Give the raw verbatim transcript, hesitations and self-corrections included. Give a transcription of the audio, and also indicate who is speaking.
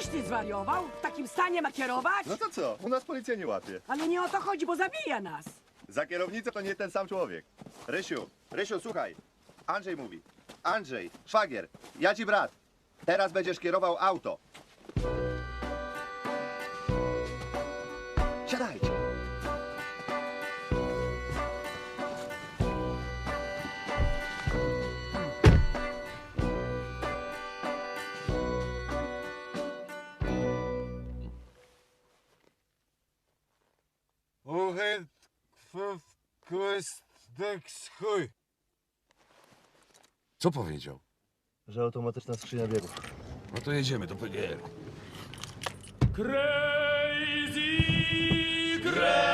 Speaker 1: Czyś ty zwariował? W takim stanie ma kierować?
Speaker 2: No to co? U nas policja nie łapie.
Speaker 1: Ale nie o to chodzi, bo zabija nas.
Speaker 2: Za kierownicę to nie ten sam człowiek. Rysiu, Rysiu, słuchaj. Andrzej mówi. Andrzej, szwagier, ja ci brat. Teraz będziesz kierował auto. Siadajcie.
Speaker 3: Uchyd kwestek chuj.
Speaker 4: Co powiedział?
Speaker 2: Że automatyczna skrzynia biegów.
Speaker 4: No to jedziemy do P G R.
Speaker 3: Crazy, crazy.